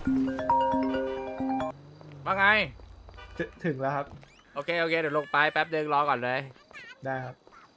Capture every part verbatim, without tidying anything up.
ว่าไงถึงแล้วครับโอเคโอเคเดี๋ยวลงไปแป๊บเดินรอก่อนเลยได้ครับ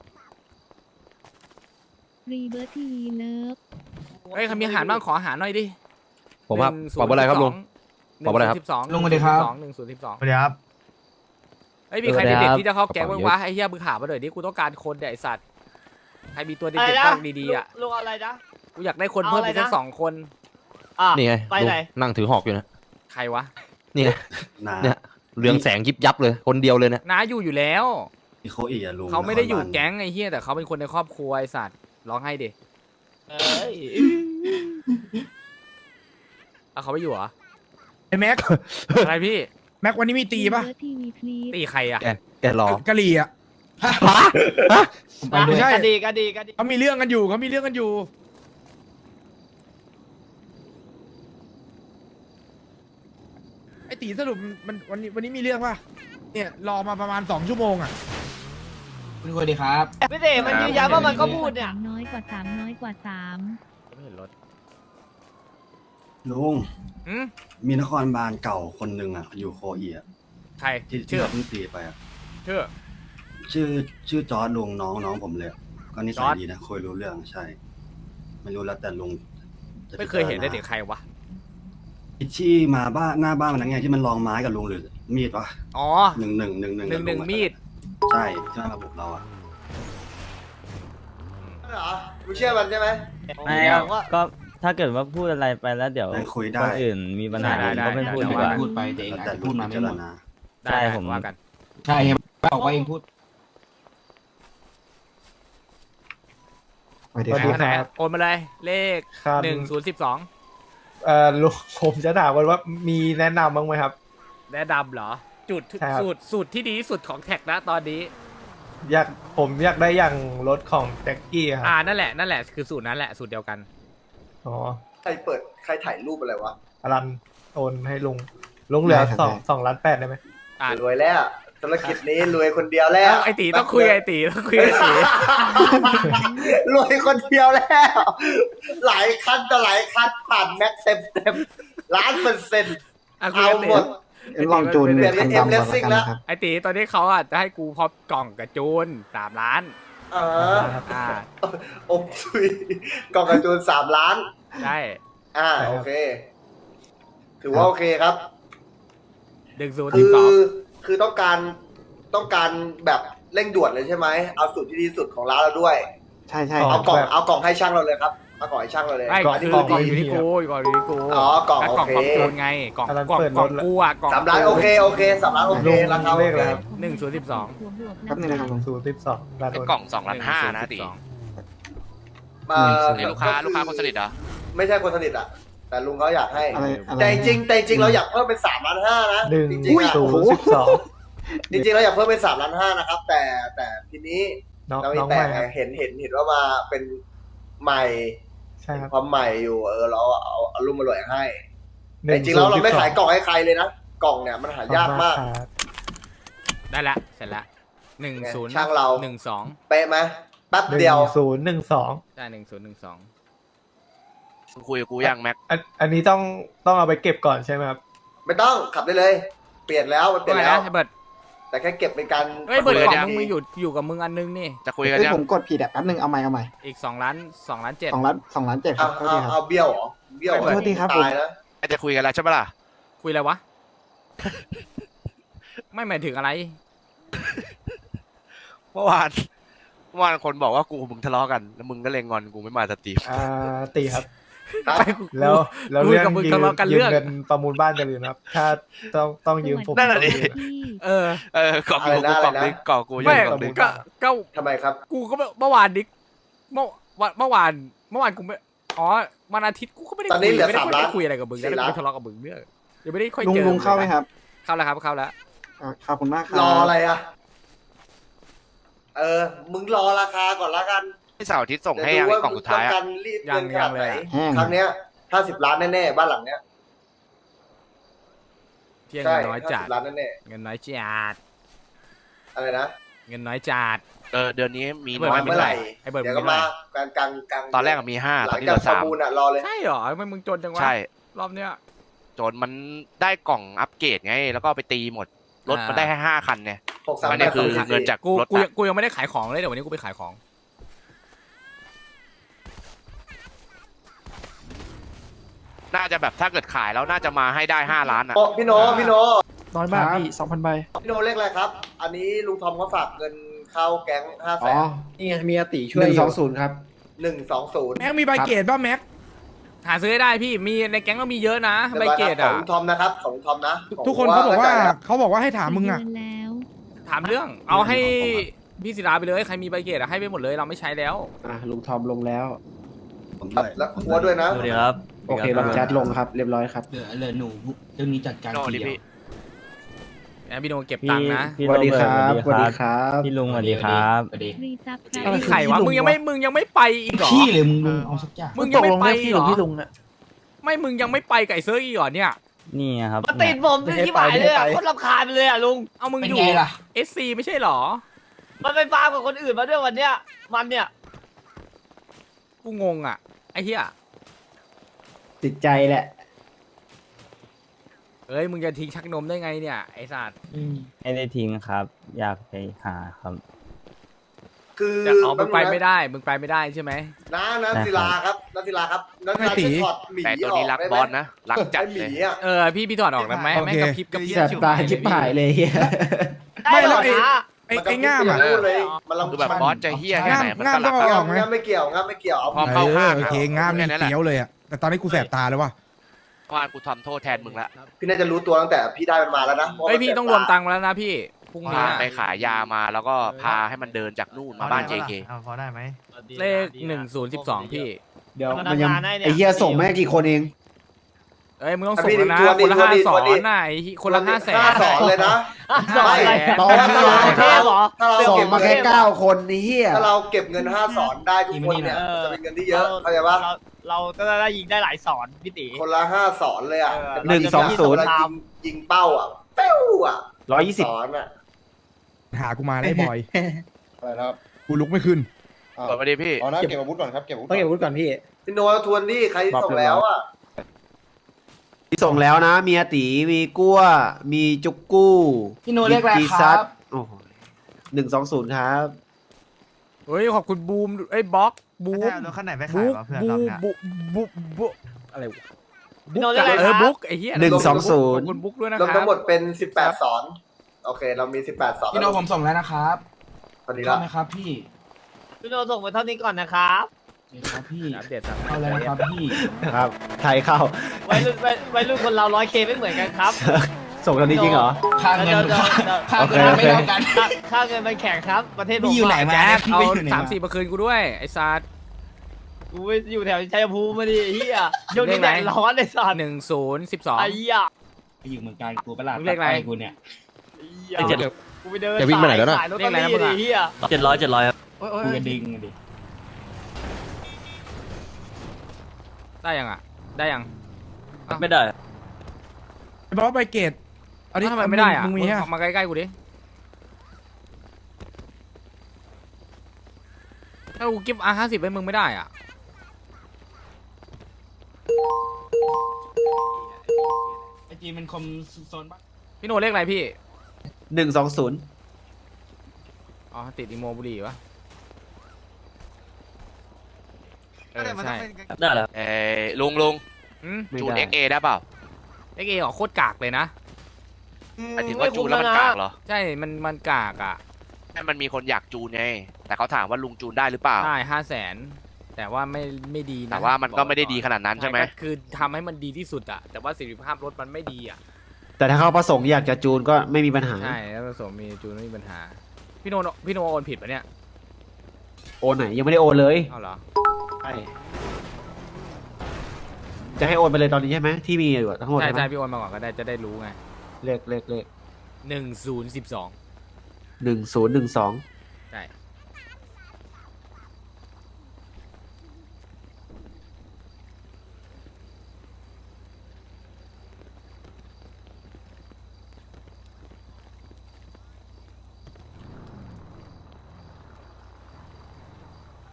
รีเบิร์ทีเลิฟเฮ้ยใครมีอาหารบ้างขออาหารหน่อยดิผมครับปอบอะไรครับลุงปอบอะไรครับลุงสวัสดีครับหนึ่งศูนย์สิบสองสวัสดีครับเฮ้ยมีใครเด็ดๆที่จะเข้าแก๊งบ้างวะไอ้เหี้ยมึงหามาหน่อยดิกูต้องการคนเนี่ยไอ้สัตว์ใครมีตัวเด็ดๆบ้างดีๆอ่ะลุงอะไรนะกูอยากได้คนเพิ่มอีกสักสองคนอ่ะนี่ไงไปลุงไหนนั่งถือหอกอยู่นะใครวะนี่ไงเนี่ยเรืองแสงยิบยับเลยคนเดียวเลยเนี่ยน้าอยู่อยู่แล้วโคอีอะลุงเขาไม่ได้อยู่แก๊งไอ้เหี้ยแต่เขาเป็นคนในครอบครัวไอ้สัตว์ร้องให้ดิเอ้ยเอาเขาไม่อยู่เหรอไอ้แม็กอะไรพี่แม็กวันนี้มีตีป่ะรีเบิร์ทีวีพลีสตีใครอ่ะแกแกรอกะหรี่อ่ะไปด้วยใช่ก็ดีก็ดีก็ดีเขามีเรื่องกันอยู่เขามีเรื่องกันอยู่ไอ้ตีสรุปมันวันนี้วันนี้มีเรื่องป่ะเนี่ยรอมาประมาณสองชั่วโมงอ่ะคุณคุยดีครับพี่เต๋มันยืนยันว่ามันก็พูดเนี่ยสามน้อยกว่าสามน้อยกว่าสามไม่เห็นรถลุงอืมมีนครบาลเก่าคนหนึ่งอะอยู่โคอีอะใครที่ที่ชื่อเราเพิ่งตีไปอะชื่อชื่อชื่อจอร์ดลุงน้องน้องผมเลยอะก็นิจสัอย ร์จดีนะคุยรู้เรื่องใช่ ไม่รู้แล้วแต่ลุงจะไม่เคยเห็นได้เด็กใครวะพิชชี่มาบ้านหน้าบ้านมันนั่นไงที่มันลองไม้กับลุงหรือมีดวะอ๋อหนึ่งหนึ่งหนึ่งหนึ่งหนึ่งหนึ่งมีดใช่ที่มันมาบุกเราอะเหรอมึงเชื่อมันใช่ไหมไม่ครับก็ถ้าเกิดว่าพูดอะไรไปแล้วเดี๋ยวได้คุยคได้นอื่นมีปัญหาได้ได้ก็ไม่ได้พูดได้ดีกว่าพูดไปแต่เองแล้วอาจแต่จะลุพูงดมาพิไม่จารหมดณาได้ใช่ได้ผมว่ากันใช่เห็นบอกว่าเองพูดสวัสดีครับไหนโอนมาเลยเลขครับหนึ่งศูนย์สิบสองเอ่อลุงผมจะถามกันว่ามีแนะนำบ้างไหมครับและดำเหรอ จุดใช่ครับสูตรสูตรที่ดีที่สุดของแท็กนะตอนนี้อยากผมอยากได้อย่างรถของแจ็คกี้คอ่ารับนั่นแหละนั่นแหละคือสูตรนั้นแหละสูตรเดียวกันอ๋อใครเปิดใครถ่ายรูปอะไรวะอลันโอนให้ลุงลุงเหลือได้ครับสองได้สองล้านแปดได้ไหมอ่ารวยแล้วธุรกิจนี้รวยคนเดียวแล้วไอตีต้องคุยกับไอตีต้องคุยกับไอตีรวยคนเดียวแล้ว หลายคันต่อหลายคันผ่านแม็กเต็มเต็มล้านเปอร์เซ็นต์อ่ะคุยเอากับไอหมตีดลองจูนเปลี่ยนเป็นคันดำก่อนเอ็มละ Racing กันแล้วนะครับไอตีตอนนี้เขาอ่ะจะให้กูพร้อมกล่องกับจูนสามล้านเอออ่าอมทุยกล่องกระจูนสามล้านใช่อ่าโอเค ถือว่าโอเคครับหนึ่งศูนย์คืสิบอสองคือต้องการต้องการแบบเร่งด่วนเลยใช่ไหมเอาสูตรที่ดีที่สุดของร้านเราด้วยใช่ใช่เอากล่องเอากล่องให้ช่างเราเลยครับเอากล่องให้ช่างเราเลยไม่กล่องคือกล่กองล่องอยู่ดีที่กูกล่องอยู่ที่กูอ๋อกล่องแล้วโอกล่องเคของจูนไงกล่องอันนั้นกล่องเปิดกล่องรถแล้วกูอ่ะกล่องสามล้านโอเคโอเคสามล้านโอเคลุงราคาโอเลขเคอะไรครับหนึ่งศูนย์สิบสองบวกบวกแป๊บนึงนะครับลุงศูนย์สิบสองล้านโอนกล่องสองล้านห้านะตีเอ่อไอ้ลูกค้าลูกค้าคนสนิทเหรอไม่ใช่คนสนิทอ่ะแต่ลุงเขาอยากให้อะไรอะไรแต่จริงๆแต่จริงๆเราอยากเพิ่มเป็นสามล้านห้านะหนึ่งจริงๆอะศูนย์สิบสองจริงๆเราอยากเพิ่มเป็นสามล้านห้านะครับ แต่แต่ทีนี้น้องเรามีน้องแต่ใหม่ไงครับเห็นเห็นเห็นว่ามาเป็นใหม่ใช่ครับความใหม่อยู่เออเราเอาเอารุ่มอร่อยให้หแต่นึ่จริงๆแล้วเราไม่ศูนขายสิบสกล่องให้ใครเลยนะกล่องเนี่ยมันหายากมากขอบคุณครับได้ละเสร็จละหนึ่งศูนย์ช่างเราหนึ่งสองเป๊ะไหมแป๊บหนึ่งเดียวศูนย์หนึ่งสองได้หนึ่งศูนย์หนึ่งสองมึงคุยกับกูยังแม็กอันอันนี้ต้องต้องเอาไปเก็บก่อนใช่ไหมครับไม่ต้องขับได้เลย เปลี่ยนแล้วมันเปลี่ยนไงแล้วนะไอ้เบิร์ดแต่แค่เก็บเป็นการเฮ้ยเบิร์ดคุยกกัล่อน งยังมึงมีอยู่อยู่กับมึงอันนึงนี่จะคุยกันเฮ้ยยังผมกดผิดอ่ะแป๊บนึงเอาใหม่เอาใหม่อีกสองล้านสองล้านเจ็ดสองล้านสองล้านเจ็ดคเอารับโทษเอาทีคเอารับเบี้ยวเหรอเบี้ยวเหรอโทษทีครับตายนะจะคุยกันแล้วใช่ปะล่ะคุยอะไรวะ ไม่หมายถึงอะไรเมื่อวานเมื่อวานคนบอกว่ากูมึงทะเลาะกันแล้วมึงก็เลยงอนกูไม่มาสตรีมอ่าตีครับครับไปกูแล้วแล้วคุยเรื่องกับมึงยืทะมเลาะกันยืเรื่มองเงินประมูลบ้านกันเลยนะครับ ถ้าต้องต้องยืมผมนั่นแหละดิต้องยืมที่เออเออกล่องกูกูกล่องนึงกล่องกูยัไม่งกล่องนึงก็ก็ทำไมครับกูก็เมื่อวานนี้เมื่อวันเมื่อวานเมื่อวานกูไม่อ๋อวันอาทิตย์กูก็ไม่ได้ตอนนี้คุยเหลือไม่ได้สามค่อยล้านได้คุยอะไรกับมึงสี่นะล้านไม่ทะเลาะกับมึงเนี่ยยังไม่ได้ค่อยลุงเจอลุงเข้าไหมครับเข้าแล้วครับเข้าแล้วอ่ะขอบคุณมากครับรออะไรอ่ะ เออ มึงรอราคาก่อนละกันให้เสาร์อาทิตย์ส่งให้เดี๋ยัยวงดูไอ้ว่ากล่องสุดท้ายมึต้อะการรีดเงินขนาดไหนแห้งครั้งเนี้ยห้าสิบล้านแน่ๆบ้านหลังเนี้ยเที่ยงใช่เงินน้อยห้าจัสิดบล้านแน่เงินน้อยจัดๆอะไรนะเงินน้อยจัดเออเดือนนี้มีเบิน้ร์อยดไม่เมื่อไหเท่าไหร่ร่ไอ้เบิร์ดเดี๋ยวมึก็งเท่าไหมาร่กลางกลางกลางตอนแรกอะมีห้าหตอลันงนี้จาเหกลือประสามมูลอ่ะรอเลยใช่เหรอทำไมมึงจนจังวะใช่รอบเนี้ยจนมันได้กล่องอัปเกรดไง แล้วก็เอาไปตีหมดรถมันได้แค่ห้าคันเนี่ยหกสามอันแปนี้ดคืสองอสี่เงินจากกูรถกูอะยังกูยังไม่ได้ขายของเลยเดี๋ยววันนี้กูไปขายของน่าจะแบบถ้าเกิดขายแล้วน่าจะมาให้ได้ห้าล้านอ่ะโอ้พี่โนพี่โนน้อยมากพี่สองพันใบพี่โนเลขอะไรครับ อันนี้ลุงทอมเขาฝากเงินเข้าแก๊งห้าแสนนี่ไงมีอาติช่วยหนึ่งสองศูนย์ครับหนึ่งสองศูนย์แม็กมีใบเกตป่ะแม็กหาซื้อให้ได้พี่มีในแก๊งก็มีเยอะนะใบเกตขออ่ะงลุงทอมนะครับของลุงทอมนะทุกคนเขาบอกว่าเขาบอกว่าให้ถามมึงเดือ่ะอนแล้วถามเรื่องเอาให้พี่ศิลาไปเลยใครมีใบเกตอะให้ไปหมดเลยเราไม่ใช้แล้วอ่ะลุงทอมลงแล้วผมด้วยแล้วหัวด้วยนะสวัสดีครับโอเคลองแชทลงครับ เรียบร้อยครับเหลือเหลือหนูเรื่องนี้จัดการโน่ทีดิเดียวพี่แอนพี่โนเก็บพี่ตังค์นะพี่สวัสดีคโเบิรัร์บตสวัสดีครับพี่ลุงสวัสดีครับสวัสดีฟรีซับคอะไรรับนี่ใครวะมึงยังไม่มึงยังไม่ไปอีกเหรอพี่เลยมึงลุงเอาสักอย่างมึงยังไม่ไปอีกเหรอพี่ลุงอ่ะไม่มึงยังไม่ไปไก่เซิร์กอีกเหรอเนี่ยนี่ครับมาติดผมที่หมายเลยอ่ะโคนรำคาญไปเลยอ่ะลุงเอามึงเป็นอยู่ไงล่ะเอสซีไม่ใช่เหรอมันไปฟาร์มกับคนอื่นมาด้วยวันเนี้ยมันเนี่ยกูงงอ่ะไอ้เหี้ยติดใจแหละเอ้ยมึงจะทิ้งชักนมได้ไงเนี่ยไอ้สัตว์ไม่ได้ทิ้งครับ อยากไปหาครับคือจะอ๋อมึงไปไม่ได้มึงไปไม่ได้ใช่ไหมน้าน้าศิลาครับน้าศิลาครับน้าศิลาไม่ตีจะถอดหมีแต่ตัวออนี้กรักได้บไหมอสนะรักจัดไอ้หเลมียอ่ะเออพี่พี่ถอดออกได้ไหมโอเคแม่งกระพริบกระพริบแสบตาชิบหายเลยเฮียไม่ได้แล้เหรวอไอ้นะไอ้ไอ้ง่ามอ่ะนก็เลยมันคือลำแบบคาญบอสจะเฮี้ยแค่ไหนมันก็ง่ามรักต้องอะออกไหมง่ามไม่เกี่ยวง่ามไม่เกี่ยวเอาพอเข้าข้างโอเคง่ามนี่เกี้ยวเลยอ่ะแต่ตอนนี้กูแสบตาเลยว่ะเพราะว่ากูทำโทษแทนมึงละพี่น่าจะรู้ตัวตั้งแต่พี่ได้มันมาแล้วนะเฮ้ยพี่ต้องรวมตังค์แล้วนะพี่พรุ่งพานี้ไปขายยามาแล้วก็พาให้มันเดินจากนู่นมาบ้าน เจ เคพอได้ไหมเลขหนึ่งศูนย์สิบสองพี่เดี๋ยวมันมันยังทำงานได้เนี่ยไอเฮียส่งมาให้กี่คนเองเอ้ยมึงต้องส่งแล้วนะคนละห้าสอนน่ะไอ้คนละห้าแสนห้าสอนเลยนะสอนอะไรตอนนี้สอนเทพเหรอถ้าเราส่งเก็บมาแค่เก้าคนนี่เฮียถ้าเราเก็บเงินห้าสอนได้ทุกคนเนี่ยเออจะเป็นเงินที่เยอะเข้าใจปะเราเราก็ได้ยิงได้หลายสอนพี่ตีคนละห้าสอนเลยอ่ะเออหนึ่งสองศูนย์เวลายิงยิงเป้าอ่ะเป้วอ่ะร้อยยี่สิบสอนอ่ะหากูมาได้บ่อยอะไรนะครับกูลุกไม่ขึ้นอ่าสวัสดีพี่เอานะเก็บอาวุธก่อนครับ เก็บอาวุธต้องเก็บอาวุธก่อนพี่พี่โนทวนที่ใครส่งแล้วอ่ะที่ส่งแล้วนะ มีอาตีมีกั้ว มีจุกกู้พี่โนเรียกอะไรมีคซัรัดบโอ้โหหนึ่งสองศูนย์ครับเฮ้ยขอบคุณบูมเอ้ยบล็อกบูมรถคันไหนไปขาบุ๊ยกวะเพื่อนบูรอบมเนี้ยบุ๊กบุ๊กบุ๊กอะไรวะพี่โนเรียกอะไรเอคอรับบุ๊กไอ้เหี้ยหนึ่งสองศูนย์ขอบคุณบุ๊กด้วยนะรวมครัทั้บงหมดเป็นสิบแปดสอน โอเค เรามีสิบแปดสอนพี่โนผมส่งแล้วนะครับพอดีเข้าละไหมครับพี่พี่โนส่งไปเท่านี้ก่อนนะครับโอเคครับพี่อัปเดตสั่งเข้าแล้วนะครับพี่นะครับ ไทยเข้าวัยรุ่นวัยวัยรุ่นคนเราร้อยเคไม่เหมือนกันครับส่งตอนนี้จริงเหรอค่าเงินเดี๋ยวเดี๋ยวเดี๋ยวค่าโอเงิเคน โอเคไม่เท่ากันค่าค่าเงินมันแข่งครับ ประเทศผมพี่อยู่ไหนมาแจ็คพี่เอาไปอยู่ไหนสามสี่มาคืนกูด้วยไอ้สัตว์กูไปอยู่แถวชัยภูมิมาดิไอ้เฮียช่วงนี้แดดร้อนไอ้สัตว์หนึ่งศูนย์สิบสองไอ้เหี้ยไปอยู่เมืองการกูประหลาดมึงเรียกอะไรตัดปกูเนี่ยไอ้เหี้ยไอ้เจ็ดกูไปเดินจะวิ่งไปไหนแล้วน่ะสายรถตอรี่ดิเฮียเจ็ดร้อยเจ็ดร้อยครับกูกระดิ่งดิได้ยังอ่ะได้ยังไม่ได้บอสใบเกตเอาดิทำไมไม่ได้อ่ะมึงมีมึงฮะมาใกล้ๆกูดิถ้ากูกิฟต์อาร์ห้าสิบไปมึงไม่ได้อ่ะไอจีมันคมโซนบ้างพี่โนเลขอะไรพี่หนึ่งสองศูนย์อ๋อติดอีโมบุรีวะเออใช่ได้แล้วเอ้ยลุงลุงอืมจูน เอ็กซ์เอ ได้เปล่าเอ็กเอออกโคตรกากเลยนะหมายถึงว่าจูนแล้วมันกากเหรอใช่มันมันกากอ่ะให้มันมีคนอยากจูนไง แต่เขาถามว่าลุงจูนได้หรือเปล่าได้ห้าแสนแต่ว่าไม่ไม่ดีนะแต่ว่ามันก็ไม่ได้ดีขนาดนั้นใช่ไหมก็คือทำให้มันดีที่สุดอะแต่ว่าประสิทธิภาพรถมันไม่ดีอะแต่ถ้าเขาประสงค์อยากจะจูนก็ไม่มีปัญหาใช่แล้วผสมมีจูนไม่มีปัญหา พี่โนพี่โนโอนผิดปะเนี่ยโอนไหนยังไม่ได้โอนเลยเอาเหรอใช่จะให้โอนไปเลยตอนนี้ใช่ไหมที่มีอยู่ทั้งหมดใช่ใช่ไหมใช่พี่โอนมาก่อนก็ได้จะได้รู้ไงเลขเลขเลขหนึ่งศูนย์สิบสองหนึ่งศูนย์หนึ่งสองใช่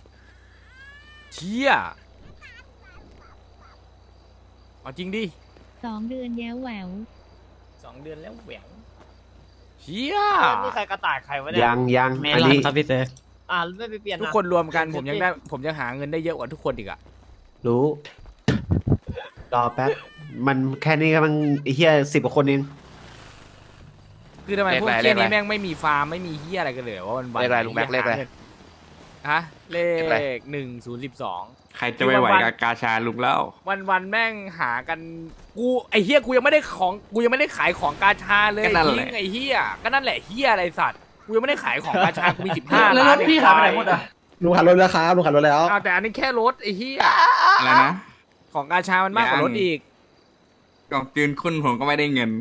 เชี่ยเอาจริงดิสองเดือนแย้วแหววสองเดือนแล้วแหววเฮียนี่ใครกระต่ายใครวะเนี่ยยังยังเมอันลอนนี้ครับพี่เซฟอ่าไม่ไปเปลี่ยนทุกนะคนรวมกันผมยังได้ผมยังหาเงินได้เยอะกว่าทุกคนอีกอะรู้รอแป๊บมันแค่นี้ก็มันไอ้เหี้ยสิบกว่าคนเองคือทำไมพวกเลเฮียขอะไรนี้แม่งไม่มีฟาร์มไม่มีเฮียอะไรกันเลยว่าวันวันเลขอะไรลุงแม็กเลขอะไรฮะเลเลขอะไรขหนึ่งศูนย์สิบสองใครจะไม่ไหวกับกาชาลุงแล้ววันวันๆแม่งหากันกูไอเฮียกูยังไม่ได้ของกูยังไม่ได้ขายของกาชาเลยก็นั่นแหทิ้ละงไอเฮียก็นั่นแหละเฮียอะไรสัตว์กูยังไม่ได้ขายของกาชากูมีสิบห้าแล้วล้านพี่หายไปไหนหมดอ่ะลุงขับรถแล้วครับลุงขับรถแล้วอ้าวแต่อันนี้แค่รถไอเฮียอะไรนะของกาชามันมากกว่ารถอีกกล่องจืนคุณผมก็ไม่ได้เงิน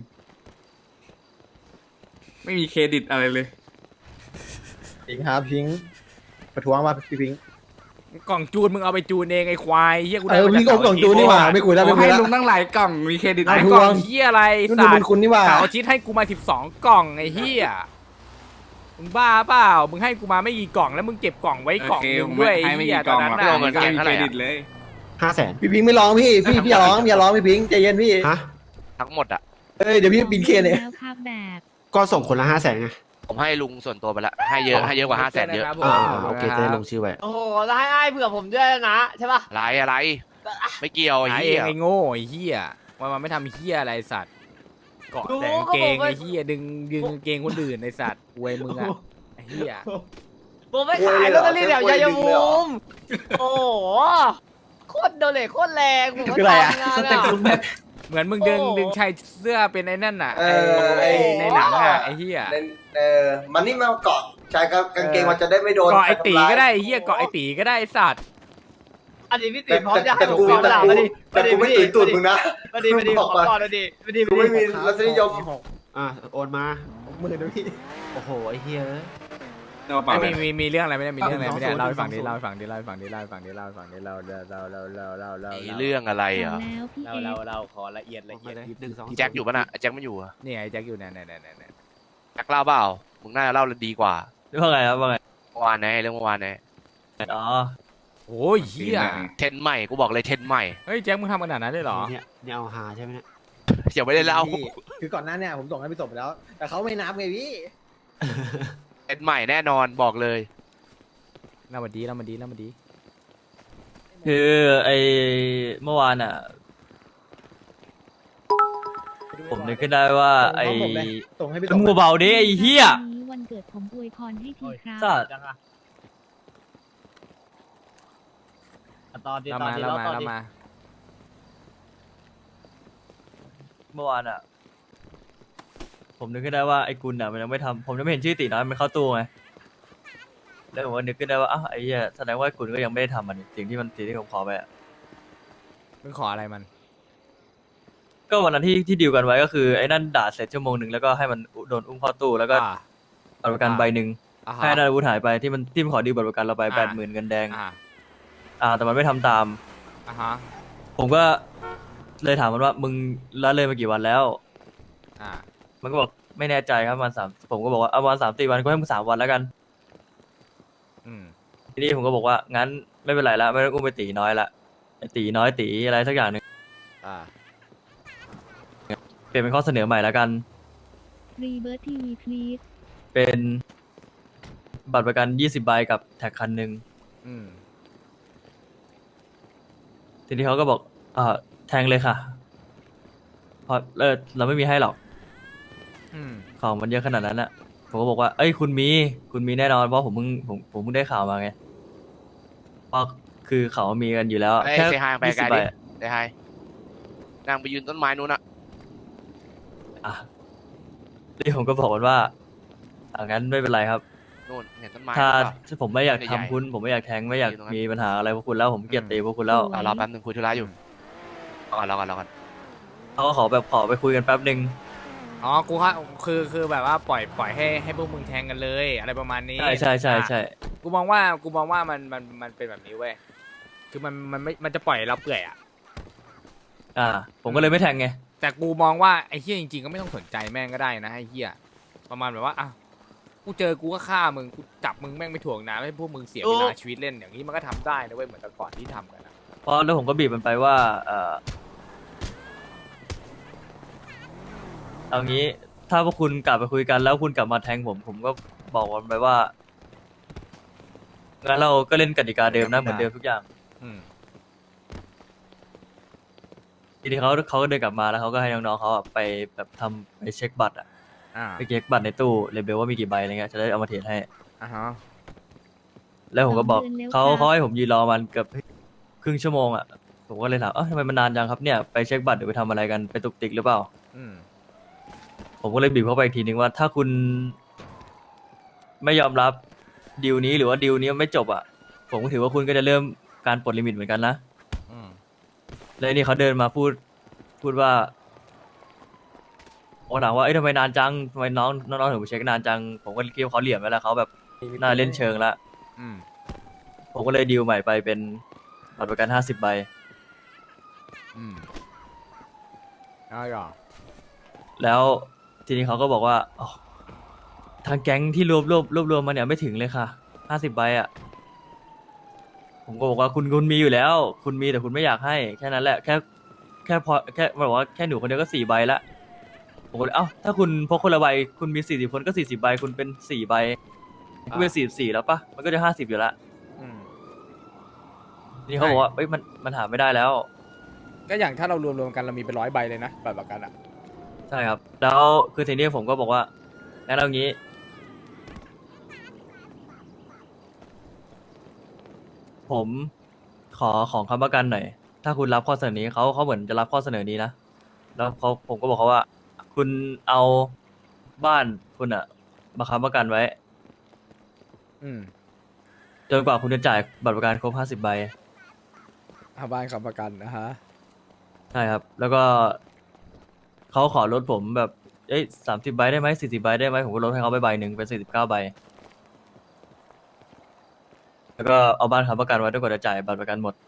ไม่มีเครดิตอะไรเลยพิงครับพิงประท้วงมาพี่พิงกล่องจูนมึงเอาไปจูนเองไอควายเฮียกูเอได้อมาพี่จากกล่องจูนนี่หว่าไม่คุยแล้วผไม่มคุยให้แล้วลุงตั้งหลายกล่อง มีเครดิตไอไหมกล่องเฮียอะไรนู่นสัดูตบุญว์คุณนี่หว่าสาวชิดให้กูมาสิบสองกล่องไอเฮียมึงบ้าเปล่ามึงให้กูมาไม่กี่กล่องแล้วมึงเก็บกล่องไว้กล่องโอเคนึงผมด้วยไอให้ไม่เฮียกี่ตกอล่นองนั้นหรอกน่ะมันก็มีเครดิตเลยห้าแสนพี่พิงไม่ร้องพี่พี่พี่อย่าร้องอย่าร้องพี่พิงใจเย็นพี่ฮะทั้งหมดอ่ะเอ้ยเดี๋ยวพี่บินเคเนี่ยแล้วครับแบบก็ส่งคนละห้าแสนไงผมให้ลุงส่วนตัวไปละให้เยอะให้เยอะกว่าห้าแสนเยอะครับผมอ่าโอเคจะได้ลงชื่อไว้โอ้โหแล้วให้อ้ายเผื่อผมด้วยนะใช่ป่ะอะไรอะไร ไม่เกี่ยวไอ้หาเอเหี้งยไอ้โง่ไอ้เฮียว่ามันไม่ทำเฮียอะไรสัตว์เกาะแต่กางเกงไอ้เฮียดึงดึงกางเกงคนอื่นไอ้สัตว์อวยมึงอะไอ้เฮียผมไม่ขายลอตเตอรี่แถวชัยภูมิโอ้โหโคตรโดนเลยโคตรแรงผมก็คืออะไรอะทำงานอะเหมือนมึงดึงโอ้ดึงชายเสื้อเป็นไอ้นั่นน่ะเอไอ้อไอ้ในหนังอะไอ้เฮียเล่นเออมันนี่มาเกาะชายกางเกงมันจะได้ไม่โดนเกาะไอ้ตีทำร้ายก็ได้ไอ้เฮียเกาะไอ้ตีก็ได้ไอ้สัตว์อันนี้พี่แต่ตีพร้อมจะให้แต่ผมกูพร้อมแต่ด่ากูมาดิแต่กูไม่ตื่นตูดมึงนะมาดิมาดิบขออกก่อนก่อนมาดิมาดิกูไม่มีรสนิยมอ่ะโอนมาหมื่นนะพี่โอ้โหไอ้เหี้ยเดี๋ยวเปล่าไอ้เลมียมีมีเรื่องอะไรไม่ได้มีเรื่องอะไรไม่ได้สองศูนย์เล่าให้ฟังดิสองศูนย์เล่าให้ฟังดิเล่าให้ฟังดิเล่าให้ฟังดิเล่าให้ฟังดิเล่าเล่าเล่าเล่าเล่าเล่าเล่าไอ้เรื่องอะไรเอาอ่ะแล้วพี่เล่าเอเล่าฟเล่าขอละเอียดละเอียดหนึ่งสองแจ็คอยู่ปะน่ะไอ้แจ็คไม่อยู่อะนี่ไอ้แจ็คอยู่เนี่ยเนี่ยเนี่ยเนี่ยแจ็คเล่าเปล่ามึงน่าจะเล่าดีกว่าว่าไงครับว่าไงเมื่อวานไงเรื่องเมื่อวานไงอ๋อโอ้ยเฮียเทรนใหม่กูบอกเลยเทรนใหม่เฮ้ยแจ็คมึงทำขนาดนั้นเลยเหรอเนี่ยเนี่ยเอาหาใช่ไหมเนี่ยอย่าไม่ได้เล่าพี่คือก่อนหน้าเนี่ยผมส่งให้พี่ส่งไปแล้ว แต่เขาไม่นับไงพี่เทรนใหม่แน่นอนบอกเลยเล่ามาดีเล่ามาดีเล่ามาดีคือไอเมื่อวานอ่ะ ผมนึกขึ้นได้ว่าไอส่งให้ผมเลยส่งให้พี่ส่งมึงเบาๆดิไอเฮียวันนี้วันเกิดผมอวยพรให้ทีครับสัตว์จังอะอ่ะตอนดีเล่าตอนมาดีเล่าแล้วมาตอนเล่าดีมาเมื่อวานอ่ะ ผมนึกขึ้นได้ว่าไอ้กุลอ่ะมันยังไม่ทำผมยังไม่เห็นชื่อตีน้อยมันเข้าตู้ไงแล้วผมก็นึกขึ้นได้ว่าอ้าวไอ้เหี้ยแสดงว่าไอ้กุลก็ยังไม่ได้ทำมันสิ่งที่มันสิ่งที่ผมขอไปอ่ะมึงขออะไรมันก็วันนั้นที่ที่ดีลกันไว้ก็คือไอ้นั่นด่าเสร็จชั่วโมงหนึ่งแล้วก็ให้มันโดนอุ้มเข้าตู้แล้วก็อ่าบัตรประกันใบหนึ่งอ่าฮะให้นาอาวุธหายไปที่มันที่มันขอดีลบัตรประกันเราไปอ่าแปดหมื่นเงินแดงอ่าอ่า แต่มันไม่ทำตามอ่าฮะผมก็เลยถามมันว่ามึงละเลยมากี่วันแล้วอ่ามันก็บอกไม่แน่ใจครับประมาณสามผมก็บอกว่าเอาประมาณสามสี่วันก็ให้มึงสามวันแล้วกันอืมทีนี้ผมก็บอกว่างั้นไม่เป็นไรละไม่ต้องอุ้มไปตีน้อยละไอ้ตีน้อยตีอะไรสักอย่างหนึ่งอ่าเปลี่ยนเป็นข้อเสนอใหม่แล้วกันรีเบิร์ทีวีพลีสเป็นบัตรประกันยี่สิบใบกับแท็กคันหนึ่งอืมทีนี้เขาก็บอกอ่าแทงเลยค่ะเพราะเออเราไม่มีให้หรอกอืมของมันเยอะขนาดนั้นอะผมก็บอกว่าเอ้ยคุณมีคุณมีแน่นอนเพราะผมเพิ่งผมผมเพิ่งได้ข่าวมาไงเพราะคือเขามีกันอยู่แล้วไอ้แค่เซฮายไปยี่ไกลสิบใบดิเซฮายนางไปยืนต้นไม้นู้นอะอ่ะนี่ผมก็บอกมันว่าอ่างั้นไม่เป็นไรครับนู่นเห็นต้นไม้ถ้านู้นเปล่าถ้าผมไม่อยากใหญ่ทำคุณผมไม่อยากแทงไม่อยากอยู่ตรงนั้นมีปัญหาอะไรพวกคุณแล้วผมเกลียดตีพวกคุณแล้วอ่ะรอแป๊บนึงคุยธุระอยู่รอก่อนรอก่อนรอก่อนเขาก็ขอแบบขอไปคุยกันแป๊บหนึ่งอ๋อ กูฮะคือคือแบบว่าปล่อยปล่อยให้ให้พวกมึงแทงกันเลย อะไรประมาณนี้ใช่ใช่ใช่ใช่อ่ะกูมองว่ากูมองว่ามันมันมันเป็นแบบนี้เว้ย คือมันมันไม่มันจะปล่อยเราเปื่อยอ่ะอ่า ผมก็เลยไม่แทงไงแต่กูมองว่าไอ้เฮียจริงๆก็ไม่ต้องสนใจแม่งก็ได้นะไอ้เฮียประมาณแบบว่าอ่ะกูเจอกูก็ฆ่ามึงกูจับมึงแม่งไปถ่วงน้ำให้พวกมึงเสียเวลาชีวิตเล่นอย่างนี้มันก็ทำได้นะเว้ยเหมือนแต่ก่อนที่ทำกันนะเพราะแล้วผมก็บีบมันไปว่าเออเอางี้ถ้าพวกคุณกลับไปคุยกันแล้วคุณกลับมาแทงผม ผมก็บอกมันไปว่างั้นเราก็เล่นกติกาเดิมนะเหมือนเดิมทุกอย่างอืมทีนี้เขาเขาก็เดินกลับมาแล้วเขาก็ให้น้องๆเขาอะไปแบบทำไปเช็คบัตรอะอ่าไปเช็คบัตรในตู้เลเบลว่ามีกี่ใบอะไรเงี้ยจะได้เอามาเทรดให้อ่าฮะแล้วผมก็บอกสองเดือนแล้วเขาครับเขาให้ผมยืนรอมันเกือบครึ่งชั่วโมงอ่ะผมก็เลยถามเอ้าทำไมมันนานจังครับเนี่ยไปเช็คบัตรหรือไปทำอะไรกันไปตุกติกหรือเปล่าอืมผมก็เลยบีบเข้าไปอีกทีนึงว่าถ้าคุณไม่ยอมรับดีลนี้หรือว่าดีลนี้มันไม่จบอ่ะผมก็ถือว่าคุณก็จะเริ่มการปลดลิมิตเหมือนกันนะอืมแล้วนี่เขาเดินมาพูดพูดว่าโอ้ถามว่าเอ้ยทำไมนานจังทำไมน้องน้องๆถึงไปเช็คนานจังผมก็คิดว่าเขาเหลี่ยมไปแล้วเขาแบบน่าเล่นเชิงละอืมผมก็เลยดีลใหม่ไปเป็นบัตรประกันห้าสิบใบอืมเอาหรอแล้วทีนี้เขาก็บอกว่าอ๋อทางแก๊งที่รวบรวบรวบรวมมาเนี่ยไม่ถึงเลยค่ะห้าสิบใบอ่ะ ผมก็บอกว่าคุณคุณมีอยู่แล้ว คุณมีแต่คุณไม่อยากให้แค่นั้นแหละแค่แค่พอแค่บอกว่าแค่หนูคนเดียวก็สี่ใบละผมก็เลยเอ้าถ้าคุณพกคนละใบคุณมีสี่สิบคนก็สี่สิบใบคุณเป็นสี่ใบก็เป็นสี่สี่แล้วปะมันก็จะห้าสิบอยู่ละอืมทีนี้เขาบอกว่าเอ้ยมันมันหาไม่ได้แล้วก็อย่างถ้าเรารวมรวมๆกันเรามีเป็นร้อยใบเลยนะบัตรประกันอ่ะใช่ครับ แล้วคือทีนี้ผมก็บอกว่างั้นเอางี้ ผมขอของคำประกันหน่อย ถ้าคุณรับข้อเสนอนี้เขาเขาเหมือนจะรับข้อเสนอนี้นะ แล้วเขาผมก็บอกเขาว่า คุณเอาบ้านคุณอะมาค้ำประกันไว้อืมจนกว่าคุณจะจ่ายบัตรประกันครบห้าสิบใบเอาบ้านค้ำประกันนะฮะใช่ครับ แล้วก็เขาขอลดผมแบบ เอ้ยสามสิบใบได้ไหมสี่สิบใบได้ไหมผมก็ลดให้เขาไปใบหนึ่งเป็นสี่สิบเก้าใบ แล้วก็เอาบ้านค้ำประกันไว้จนกว่าจะจ่ายบัตรประกันหมด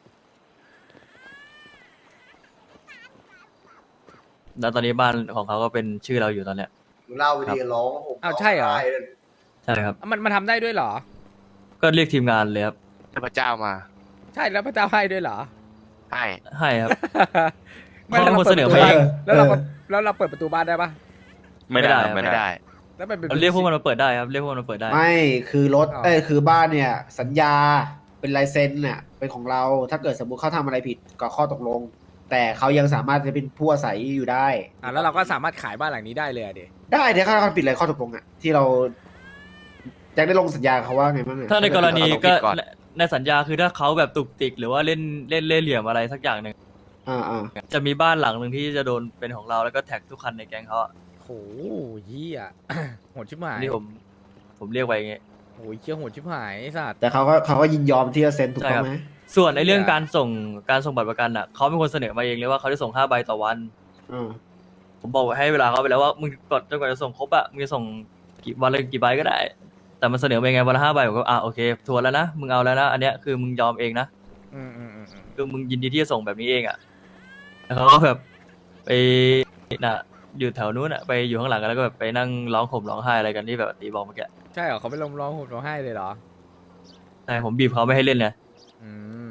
แล้วตอนนี้บ้านของเขาก็เป็นชื่อเราอยู่ตอนเนี้ยเล่าไปดีร้องผมอ้าวใช่เหรอร้งไเลยใช่ครับมันมันทำได้ด้วยเหรอก็เรียกทีมงานเลยครับเทพเจ้ามาใช่แล้วพระเจ้าให้ด้วยเหรอให้ให้ครับไม่แล้วเขาเป็นคนเสนอปิดประตูมาเองบ้านแล้วเราก็แล้วเราเปิดประตูบ้านได้ปะไม่ได้ไม่ได้แล้วมันเป็นเราเรียกพวกมันมาเปิดได้ครับ เรียกพวกมันมาเปิดได้ไม่คือรถอ๋อเอ้ยคือบ้านเนี่ย สัญญาเป็นลายเซ็นเนี่ยเป็นของเราถ้าเกิดสมมุติเขาทำอะไรผิดก็ข้อตกลง แต่เขายังสามารถจะเป็นผู้อาศัยอยู่ได้อ่ะแล้วเราก็สามารถขายบ้านหลังนี้ได้เลยอะเดได้เดี๋ยวเขาปิดอะไรข้อตกลงอ่ะที่เราแจ็คได้ลงสัญญาเขาว่าไงบ้างเนี่ยถ้าในกรณีเราต้องก็คิดก่อนในในสัญญาคือถ้าเขาแบบตุกติก หรือว่าเล่นเล่นเล่นเหลี่ยมอะไรสักอย่างหนึ่งอ่าอ่าจะมีบ้านหลังหนึ่งที่จะโดนเป็นของเราแล้วก็แท็กทุกคันในแก๊งเขาอะโหเฮีย โหดชิบหายนี่ผมผมเรียกไว้อย่างงี้โหเชี่ยโหดชิบหายไอ้สัตว์แต่เขาก็เขาก็ยินยอมที่จะเซ็นถูกต้องไหมส่วนในเรื่องเหี้ยการส่งการส่งบัตรประกันอะเขาเป็นคนเสนอมาเองเลยว่าเขาจะส่งห้าใบต่อวันอ่าผมบอกให้เวลาเขาไปแล้วว่ามึงกดจนกว่าจะส่งครบอะมึงจะส่งกี่วันละกี่ใบก็ได้ แต่มันเสนอไปไงวันละห้าใบผมก็อ่ะโอเคทวนแล้วนะมึงเอาแล้วนะอันเนี้ยคือมึงยอมเองนะอืมอืมอืมอืมคือมึงยินดีที่จะส่งแบบนี้เองอะแล้วเขาก็แบบไปน่ะอยู่แถวนู้นอะไปอยู่ข้างหลังกันแล้วก็แบบไปนั่งร้องห่มร้องไห้อะไรกันที่แบบตีบอกเมื่อกี้ใช่เหรอเขาไปลงร้องห่มร้องไห้เลยเหรอใช่ผมบีบเขาไม่ให้เล่นเลยอืม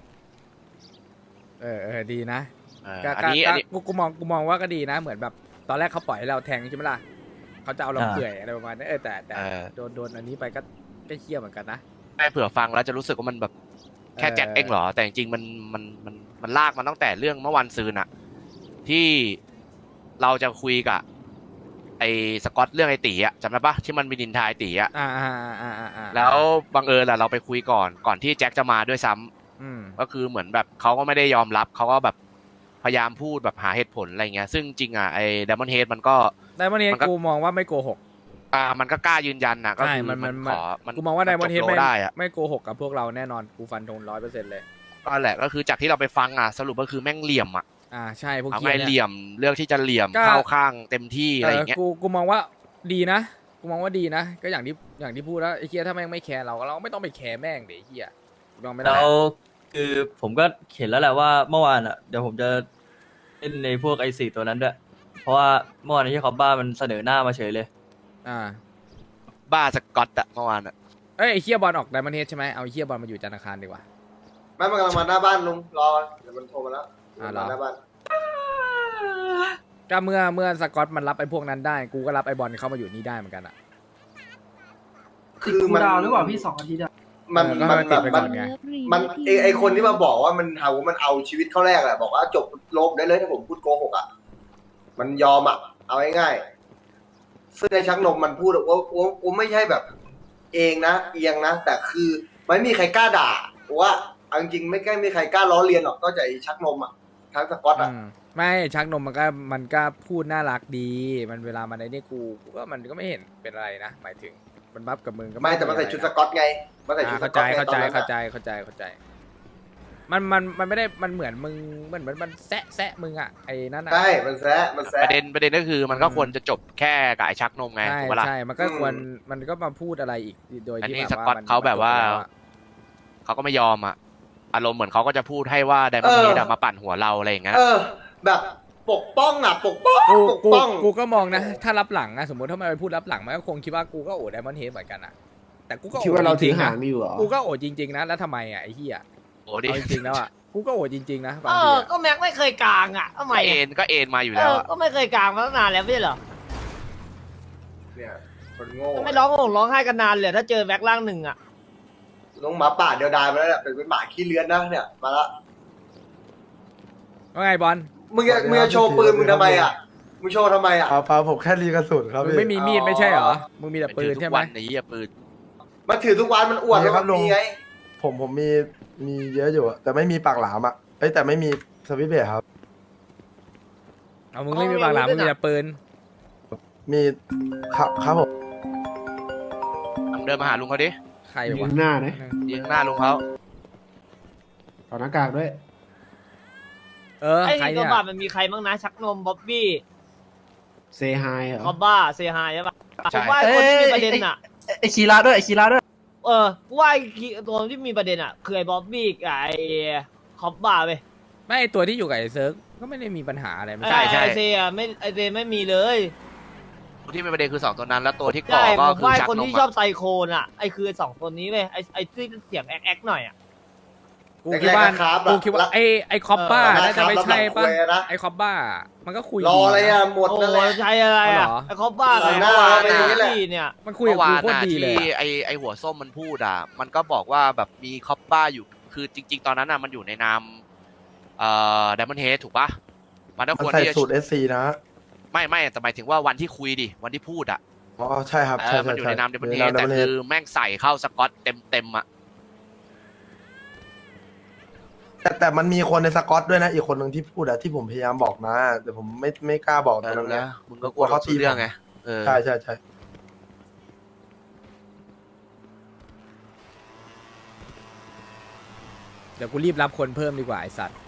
เออเออดีนะเออก็อันก็นี้ก็อันนี้กูกูมองกูมองว่าก็ดีนะ เหมือนแบบตอนแรกเขาปล่อยให้เราแทงใช่ไหมล่ะเขาจะเอาเราเปื่อยอะไรประมาณนั้นเออแต่แต่เออโดนโดนอันนี้ไปก็ก็เคี้ยวเหมือนกันนะให้เผื่อฟังแล้วจะรู้สึกว่ามันแบบแค่เออแจ็คเองเหรอ แต่จริงๆมันมันมันมันลากมาตั้งแต่เรื่องเมื่อวันซืนอะที่เราจะคุยกับไอ้สกอตเรื่องไอ้ตีอะจำได้ปะที่มันมีดินทายตีอะอ่าอ่าอ่าอ่าอ่าอ่าแล้วบังเอิญแหละเราไปคุยก่อนก่อนที่แจ็คจะมาด้วยซ้ำอืมก็คือเหมือนแบบเขาก็ไม่ได้ยอมรับเขาก็แบบพยายามพูดแบบหาเหตุผลอะไรเงี้ยซึ่งจริงอ่ะไอ้ดมอนเฮดมันก็ไดมอนด์เฮดมันก็กูมองว่าไม่โกหกอ่ามันก็กล้ายืนยันนะก็ใช่คือมันมัมัน นขอมันกูมองว่าไดมอนด์เฮดจบไม่โลได้อะไม่โกหกกับพวกเราแน่นอนกูฟันธงร้อยเปอร์เซ็นต์เลยก็แหละก็คือจากที่เราไปฟังอ่ะสรุปก็คือแม่งเหลี่ยมอ่ะอ่าใช่พวกเอาเคี้ไงยเหเนี่ยลี่ยมเลือกที่จะเหลี่ยมก็เข้าข้างเต็มที่อะไรอย่างเงี้ยกูกูมองว่าดีนะกูมองว่าดีนะ ก็อย่างที่อย่างที่พูดแล้วไอ้เคี้ยถ้าแม่งไม่แคร์เราเราก็ไม่ต้องไปแคร์แม่งเดี๋ยวไอ้เคี้ยกูลองไม่ได้แล้วคือผมก็เห็นแล้วแหละว่าเมื่อวานอ่ะเดี๋ยวผมจะเล่นในพวกไอสี่ตัวนั้นด้วยเพราะว่าเมื่อวานที่เขาบ้ามันเสนอหน้ามาเฉยเลยอ่าบ้าสกอตอะเมื่อวานอะเอ้ยไอ้เคี้ยบอลออกไดมอนด์เฮดใช่ไหมเอาไอ้เคี้ยบอลมาอยู่จันทร์อังคารดีกว่าไม่มันกำลังมาหน้าบ้านลุงรอเดี๋ยวมันโทรมาแล้วอ่าเหรอมาหน้าบ้านก็เมื่อเมื่อสกอตมันรับไอ้พวกนั้นได้กูก็รับไอ้บอลเข้ามาอยู่นี่ได้เหมือนกันอ่ะคือมันดาวหรือเปล่าพี่สองอาทิตย์อะมันเออก็มันให้แบติดบไปมัก่อน นไงมันไอไอคนที่มาบอกว่ามันเอามันเอาชีวิตเข้าแรกแหละบอกว่าจบลบได้เลยถ้าผมพูดโกหกอ่ะมันยอมอ่ะเอาง่ายๆซึ่งในชักนมมันพูดว่าว่าว่าไม่ใช่แบบ เองนะเอียงนะแต่คือไม่มีใครกล้าด่าว่าเอาจริงๆไม่กล้ามีใครกล้าล้อเลียนหรอกนอกจากไอ้ชักนมอ่ะทั้งสกอตอ่ะอืมไม่ชักนมมันก็มันก็พูดน่ารักดี มันเวลามันไอ้นี่กูกูก็มันก็ไม่เห็นเป็นอะไรนะหมายถึงมันบัฟกับมึงก็ไม่แต่มันใส่ชุดสอะกอตไงมันไรใส่ชุดนะสเข้าก ใจอตไงเข้าตอใจนนั้นเข้าใจอะเข้าใจเข้าใจ มันมันมันไม่ได้มันเหมือนมึงเหมือนมันมันแซะแซะมึงอ่ะไอ้นั่นอ่ะใช่มันแซะมันแซะประเด็นประเด็นก็คือมันก็ควรจะจบแค่กับไอ้ชักนมไงใช่ถูกปะล่ะใช่มันก็อืมควรมันก็มาพูดอะไรอีกโดยอันที่นี้แบบสว่ากอตมันเขาแบบว่ามันจบไปแล้วอะเขาก็ไม่ยอมอ่ะอารมณ์เหมือนเขาก็จะพูดให้ว่าไดมอนด์เฮดมาปั่นหัวเราอะไรอย่างเงี้ยเออ แบบปกป้องอ่ะปกป้องกูปกกูป้องกูก็มองนะ ถ้ารับหลังนะสมมติถ้ามันไปพูดรับหลังมันก็คงคิดว่ากูก็โอดไดมอนด์เฮดเหมือนกันอ่ะแต่กูก็โอคิดว่าเราจถืริองๆหานะงอยู่เหรอกูก็โอดจริงๆนะแล้วทำไมอ่ะไอ้เหี้ยโอ้ดิเอาจริงๆแล้วอ่ะกูก็โอดจริงๆนะบางเอทีออะก็แม็กไม่เคยกลางอ่ะทำไมก็เอ็อะนก็เอ็นมาอยู่เอแล้วออะก็ไม่เคยกลางมาตั้งนานแล้วไม่ใช่เหรอเนี่ยคนโง่ไม่ร้องห่มร้องไห้กันนานเลยถ้าเจอแม็กล่างหนึ่งอ่ะน้องหมาป่าเดียวดายมาแล้วเนี่ยเป็นเป็นหมาขี้เลื้อนนะเนี่ยมาละว่าไงบอลมึงจะมึงจะโชว์ปืนมึงทำไมอ่ะมึงโชว์ทำไมอ่ะเอาเปล่าผมแค่รีกระสุนครับมึงพี่ไม่มีมีดไม่ใช่เหรอมึงมีแต่ปืนถือใช่ทุกไหมวันในเหี้ยปืนมันถือทุกวันมันอวดมีครับว่ามันลุงมีไงผมผมมีมีเยอะอยู่อะแต่ไม่มีปากหลามอ่ะเอ้ยแต่ไม่มีสวิตช์เบรกครับเอามึงไม่มีบางหลังมึงมีแต่ปืนมีครับครับผมเดินมาหาลุงเขาดิใครอยู่วะข้างหน้านะยิงหน้าลุงเขาต่อหน้ากากด้วยเออไอ้ใครตัเนี่วย บาทมันมีใครบ้างนะชักนมบ๊อบบี้เซฮายเหรอคอบบ้าเซฮายใช่ปะผใช่มว่าคนที่มีประเด็นอ่ะไอคีราด้วยไอคีราด้วยเออกูว่าไอ้ตัวที่มีประเด็นอ่ะคือไอ้บ๊อบบี้กับไอ้คอบบ้าไปไม่ไอ้ตัวที่อยู่กับไอ้เซิร์กก็ไม่ได้มีปัญหาอะไรไม่ใช่ใช่ใช่ไอเซอะไม่ไอเซไม่มีเลยตัวที่เป็นประเด็นคือสองตัวนั้นแล้วตัวที่ก่อใช่ก็ผมคือว่าชักคนนมที่ชอบอะไซโคน่ะไอคือสองตัวนี้เลยไอไอที่เสียงแอ๊กแอ๊กหน่อยอ่ะกูคิดว่าแรกๆครับกูคิดว่าไอ้ไอ้คอปป้าเออน่าจะไม่ใช่ปะรับหลังคุยนะไอ้คอปป้ามันก็คุยรออะไรดีนอ่ะหมดโอ้นั่นแหละใช่อะไรอ่ะเอาเหรอไอคอบบ้ากับหน้าไอ้ไปอย่างนี้แหละบี้เนี่ยมันคุยกับเมื่อกูวานโคตรน่ะดีเลยที่อะไอไอหัวส้มมันพูดอ่ะมันก็บอกว่าแบบมีคอปป้าอยู่คือจริง ๆ ตอนนั้นอ่ะมันอยู่ในนามเอ่อไดมอนด์เฮดถูกปะมันก็มันควรใส่ที่จะสูตรเอสซีนะไม่ไม่แต่หมายถึงว่าวันที่คุยดิวันที่พูดอ่ะอ๋อใช่ครับเอใช่อมันใช่อยู่ใช่ในนามไดมอนด์เฮใดแต่ Diamond คื Head อแม่งใส่เข้าสกอตเต็มเต็มๆอ่ะแต่แต่มันมีคนในสกอตด้วยนะ อีกคนหนึ่งที่พูดอะที่ผมพยายามบอกนะแต่ผมไม่ไม่กล้าบอกเอตอรงรู้เนี้แล้ยวมึงก็กลัวเขาตีเรื่องไงเออใช่ใช่ใช่เดี๋ยวกูรีบรับคนเพิ่มดีกว่าไอ้สัตว์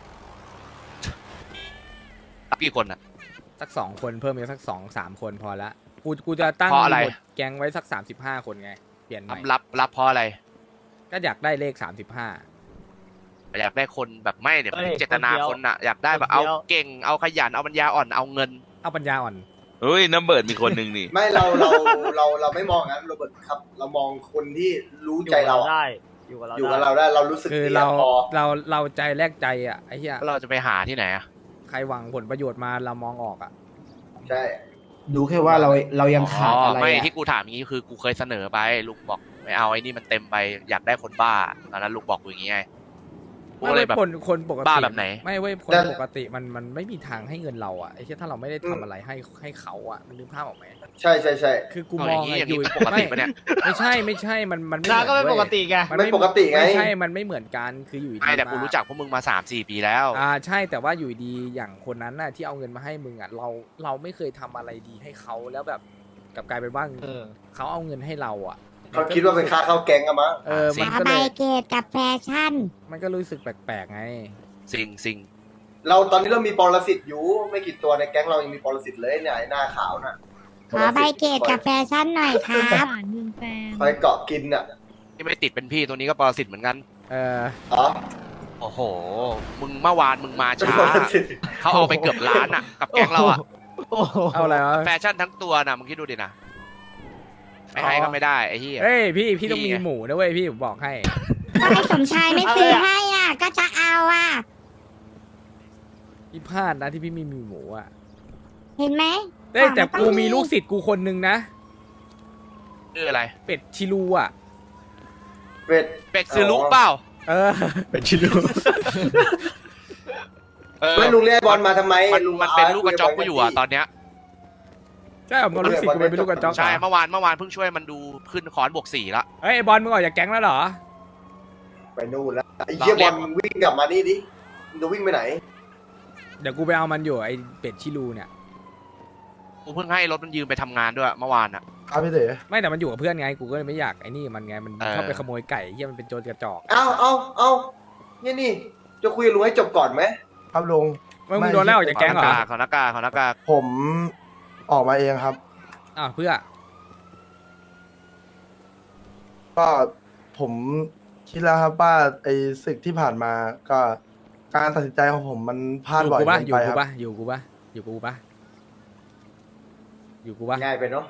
กี่คนอ่ะสักสองคนเพิ่มอีกสักสองสามคนพอละกูกูจะตั้งเพราะอะไรหมวดแก๊งไว้สักสามสิบห้าคนไงเปลี่ยนใหม่รับรับเพราะอะไรก็อยากได้เลขสามสิบห้าอยากได้คนแบบไม่เนี่ยเอ้ยเจตนาคนเดียวคนอ่ะอยากได้แบบคนเอาเดียวเก่งเอาขยันเอาปัญญาอ่อนเอาเงินเอาปัญญาอ่อนเฮ้ยน้ำเบิร์ดมีคนหนึ่งนี่ไม่เราเราเราเราไม่มองงั้นโรเบิร์ตครับ เรามองคนที่รู้ใจเราอะได้อยู่กับเราอยู่กับได้เราได้เรารู้สึกคือดีเราอะพอเราเราใจแลกใจอ่ะไอ้เหี้ยแล้วเราจะไปหาที่ไหนอ่ะใครหวังผลประโยชน์มาเรามองออกอ่ะใช่ดูแค่ว่าเราเรายังขาดอะไรไม่อะที่กูถามอย่างนี้คือกูเคยเสนอไปลุงบอกไม่เอาไอ้นี่มันเต็มไปอยากได้คนบ้าตอนนั้นลุงบอกกูอย่างงี้ไงกูไม่เลเว้ยยแบบคนคนปกติบ้าแบบไหนไม่เว้ยคนแต่ปกติมันมันไม่มีทางให้เงินเราอ่ะไอ้เหี้ยถ้าเราไม่ได้ทำอะไรให้ให้เขาอ่ะมันลืมภาพออกไหมใช่ใช่ใช่คือกูเอามอองย่างนี้อะอย่างอยู่นี้ปกติปะเนี่ยไม่ใช่ไม่ใช่มันมันไม่น้าเหก็มือนไม่ปกเว้ยติไงมันไม่ปกติไงไม่ใช่มันไม่เหมือนกันคืออยู่ดีไม่แต่กูารู้จักพวกมึงมาสามสี่ปีแล้วอ่าใช่แต่ว่าอยู่ดีอย่างคนนั้นน่ะที่เอาเงินมาให้มึงอ่ะเราเราไม่เคยทำอะไรดีให้เขาแล้วแบบกลับกลายเป็นว่าเออเขาเอาเงินให้เราอ่ะเขาคิดว่าเป็นค่าเข้าแก๊งอะมั้งเออมันขาก็ใบเลยเกตกับแฟชั่นมันก็รู้สึกแปลกๆไงสิ่งสิ่งเราตอนนี้เรามีปรสิตอยู่ไม่กี่ตัวในแก๊งเรายังมีปรสิตเลยเนี่ยไอ้หน้าขาวน่ะขอใบเกตกับแฟชั่นหน่อยครับผ่านเมืองแฟนคอยเกาะกินอ่ะที่ไม่ติดเป็นพี่ตัวนี้ก็ปรสิตเหมือนกันเอออ๋อโอ้โห มึงเมื่อวานมึงมาเป็นช้าปรสิตเขาเอาไปเกือบล้านอ่ะ กับแก๊งเราอ่ะโอ้โหเอาอะไรวะแฟชั่นทั้งตัวนะมึงคิดดูดินะไม่ให้ก็ไม่ได้ไอ้เหี้ยเฮ้ยพี่พี่ต้องนี่มีไงหมูนะเว้ยพี่ผมบอกให้ก็ให้สมชายไม่ซื้อให้อ่ะ ก็จะเอาอ่ะพี่พลาดนะที่พี่ไมีมีหมูอ่ะเห็นไหมเอ้ยแต่กูมีลูกศิษย์กูคนนึงนะชื่ออะไรเป็ดชิลูอ่ะเป็ดเป็ดซื้อลุเปล่าเออเป็นชิลูเออไม่ลุงเรียกไอ้บอลมาทำไมมันลุงมันเป็นลูกกระจอกกูอยู่อ่ะตอนเนี้ยใช่เหรอลูกศิษย์กูเป็นลูกกระจอกเหรอใช่เมื่อวานเมื่อวานเพิ่งช่วยมันดูขึ้นคอนบวกสี่ละเฮ้ยไอ้บอลมึงออกจากแก๊งแล้วเหรอไปนู่นแล้วไอ้เหี้ยบอลมึงวิ่งกลับมานี่ดิมึงจะวิ่งไปไหนเดี๋ยวกูไปเอามันอยู่ไอ้เป็ดชิลูเนี่ยกูเพิ่งให้รถมันยืมไปทำงานด้วยเมื่อวานอ่ะครับพี่เต๋อไม่แต่มันอยู่กับเพื่อนไงกูก็เลยไม่อยากไอ้นี่มันไงมันเออชอบไปขโมยไก่เฮียมันเป็นโจรกระจอกเอาเอาเอาเนี่ยนี่จะคุยกับลุงให้จบก่อนไหมครับลุงมึงมึงโดนไล่ออกจากแก๊งเหรอขอหน้ากากขอหน้ากากผมออกมาเองครับอ้าวเพื่อก็ผมคิดแล้วครับว่าไอ้ศึกที่ผ่านมาก็การตัดสินใจของผมมันพลาดอยู่บ่อยกูปะเกินอยู่ไปคกูรับปะอยู่กูปะอยู่กูปะอยู่กูปะง่ายไปเนาะ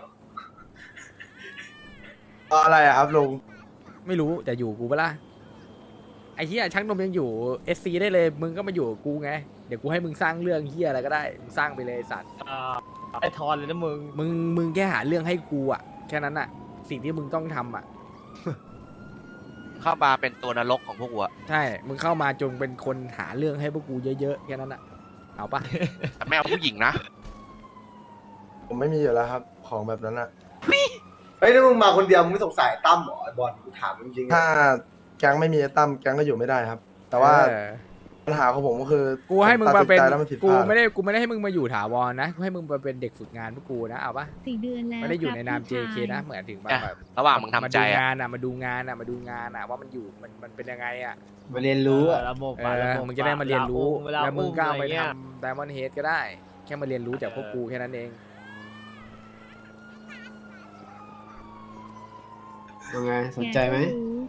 อะไรอะครับลุงไม่รู้แต่อยู่กูปะล่ะไอ้เฮียช่างนมยังอยู่เอสซีได้เลยมึงก็มาอยู่กับกูไงเดี๋ยวกูให้มึงสร้างเรื่องเฮียอะไรก็ได้มึงสร้างไปเลยไอ้สัตว์ไอทอนเลยนะมึงมึงมึงแค่หาเรื่องให้กูอ่ะแค่นั้นอ่ะ สิ่งที่มึงต้องทำอ่ะเข้ามาเป็นตัวนรกของพวกกูอะใช่มึงเข้ามาจงเป็นคนหาเรื่องให้พวกกูเยอะๆแค่นั้นอ่ะเอาปะแต่ไม่เอาผู้หญิงนะผมไม่มีอยู่แล้วครับ ของแบบนั้นอะเฮ้ยถ้ามึงมาคนเดียวมึงไม่สงสัยตั้มเหรอไอ้บอลกูถามจริงๆถ้านะแก๊งไม่มีไอ้ตั้มแก๊งก็อยู่ไม่ได้ครับ แต่ว่าเออปัญหาของผมก็คือกูให้มึงมาเป็นตัดสิใจแล้วมันผิดพกูลาดไม่ได้กูไม่ได้ให้มึงมาอยู่ถาวรนะกูให้มึงมาเป็นเด็กฝึกงานพวกกูนะเอาปะสี่เดือนแล้วไม่ได้อยู่ในนามครัเจบเคพี่ชายนะเหมือนถึงแบบอ่ะแบบระหว่างมึงทำมาใจดูอะงานอ่ะมาดูงานอ่ะมาดูงานอ่ะว่ามันอยู่มันมันเป็นยังไงอ่ะมาเรียนรู้อะระบบเออะระอบบมึงจะได้มาเรียนรู้เวลาแล้วมึงก็เอาไปอุ้มอะไรเงี้ยทำ Diamond Head ก็ได้ แค่มาเรียนรู้จากพวกกูแค่นั้นเองยังไงสนใจไหม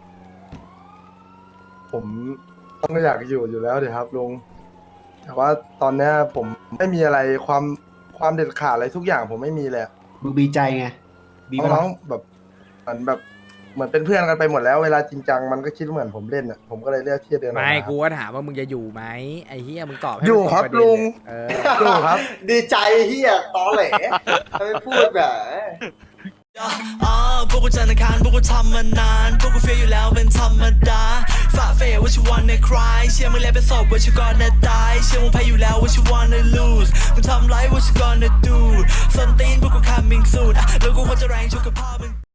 ผมต้องอยากอยู่อยู่แล้วเดี๋ยวครับลุงแต่ว่าตอนเนี้ยผมไม่มีอะไรความความเด็ดขาดอะไรทุกอย่างผมไม่มีเลยอะมึงบีใจไงบีปะน้ล่ะองๆแบบเหมือนแบบเหมือนเป็นเพื่อนกันไปหมดแล้วเวลาจริงจังมันก็คิดเหมือนผมเล่นอ่ะผมก็เลยเลือกที่จะเดินออกไม่มากูก็ถามว่ามึงจะอยู่ไหมไอ้เฮียมึงตอบให้อยู่มันตครับปะเด็นลุงเอออยู่ครับดีใจเฮียตอแหลทำไมพูดแบบอ่าพวกกูจันทร์อังคารพวกกูทำมานานพวกกูเฟียอยู่แล้วเป็นธรรมดาฝ่าเฟยว่าชิวันในคลายเชื่อมึงแล้วเป็นศพว่าชิวก่อนนะตายเชื่อมึงแพ้อยู่แล้วว่าชิวันใน lose มึงทำไรว่าชิวก่อนนะ do ส้นตีนพวกกู coming soon อ่ะแล้วกูควรจะแรงชุกกับพ่อมึง